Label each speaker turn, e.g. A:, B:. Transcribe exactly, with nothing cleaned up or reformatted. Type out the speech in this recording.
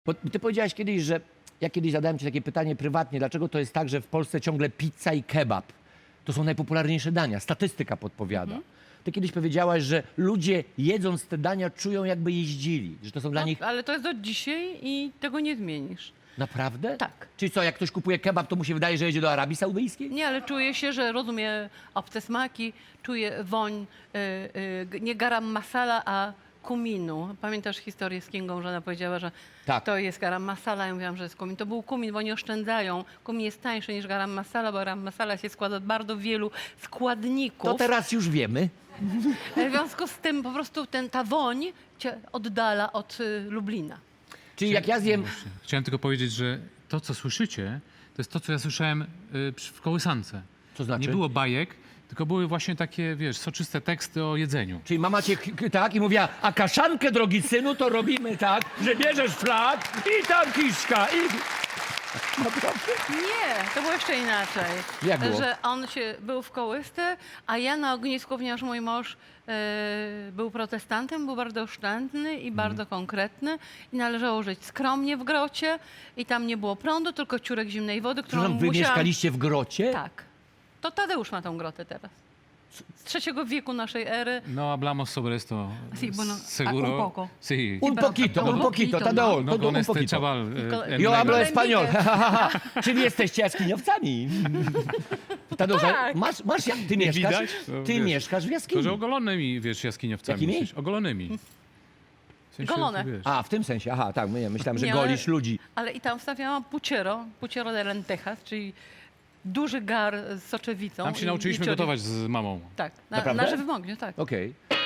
A: Bo ty powiedziałaś kiedyś, że ja kiedyś zadałem ci takie pytanie prywatnie, dlaczego to jest tak, że w Polsce ciągle pizza i kebab to są najpopularniejsze dania. Statystyka podpowiada.
B: Mhm.
A: Ty kiedyś powiedziałaś, że ludzie jedząc te dania czują, jakby jeździli, że to są dla
B: No,
A: nich...
B: ale to jest do dzisiaj i tego nie zmienisz.
A: Naprawdę?
B: Tak.
A: Czyli co, jak ktoś kupuje kebab, to mu się wydaje, że jedzie do Arabii Saudyjskiej?
B: Nie, ale czuję się, że rozumie obce smaki, czuję woń, y, y, nie garam masala, a kuminu. Pamiętasz historię z Kingą, że ona powiedziała, że
A: Tak.
B: to jest garam masala. Ja mówiłam, że jest kumin. To był kumin, bo oni oszczędzają. Kumin jest tańszy niż garam masala, bo garam masala się składa z bardzo wielu składników.
A: To teraz już wiemy.
B: W związku z tym po prostu ten, ta woń cię oddala od y, Lublina.
A: Czyli jak ja zjem...
C: Chciałem tylko powiedzieć, że to, co słyszycie, to jest to, co ja słyszałem y, przy- w kołysance.
A: Co znaczy?
C: Nie było bajek, tylko były właśnie takie, wiesz, soczyste teksty o jedzeniu.
A: Czyli mama cię k- tak i mówiła, a kaszankę, drogi synu, to robimy tak, że bierzesz flag i tam kiszka i... Naprawdę?
B: Nie, to było jeszcze inaczej.
A: Jak było?
B: Że on się był w kołysce, a ja na ognisku, ponieważ mój mąż e, był protestantem, był bardzo oszczędny
A: Mhm.
B: i bardzo konkretny i należało żyć skromnie w grocie i tam nie było prądu, tylko ciurek zimnej wody, którą
A: Przepraszam, wy
B: musiałam...
A: mieszkaliście w grocie?
B: Tak. To Tadeusz ma tą grotę teraz. Z trzeciego wieku naszej ery.
C: No, hablamos sobre esto.
B: Sí, bueno,
C: Seguro.
B: un poco.
C: Sí.
A: Un poquito, un poquito,
B: no.
A: Tadeo,
C: No
A: to
C: con
A: un
C: este
A: poquito.
C: chaval.
B: Con-
C: eh, en
A: Yo hablo
C: negro.
A: español. Czyli jesteście jaskiniowcami. Tadeusz,
B: Tak.
A: masz, masz, jak- ty mieszkasz,
C: widać? No,
A: ty
C: wiesz.
A: mieszkasz w
C: To,
A: jaskini.
C: że ogolonymi, wiesz, jaskiniowcami.
A: Jakimi?
C: Jesteś. Ogolonymi. W sensie,
B: Golone.
C: wiesz.
A: A, w tym sensie, aha, tak, my- myślałem, że
B: Nie, ale-
A: golisz ludzi.
B: Ale i tam wstawiałam puciero, puciero de lentejas, czyli duży gar z soczewicą.
C: Tam się
B: i-
C: nauczyliśmy
B: i czori-
C: gotować z mamą.
B: Tak, na,
A: Naprawdę?
B: na żywym ogniu, tak.
A: Okej.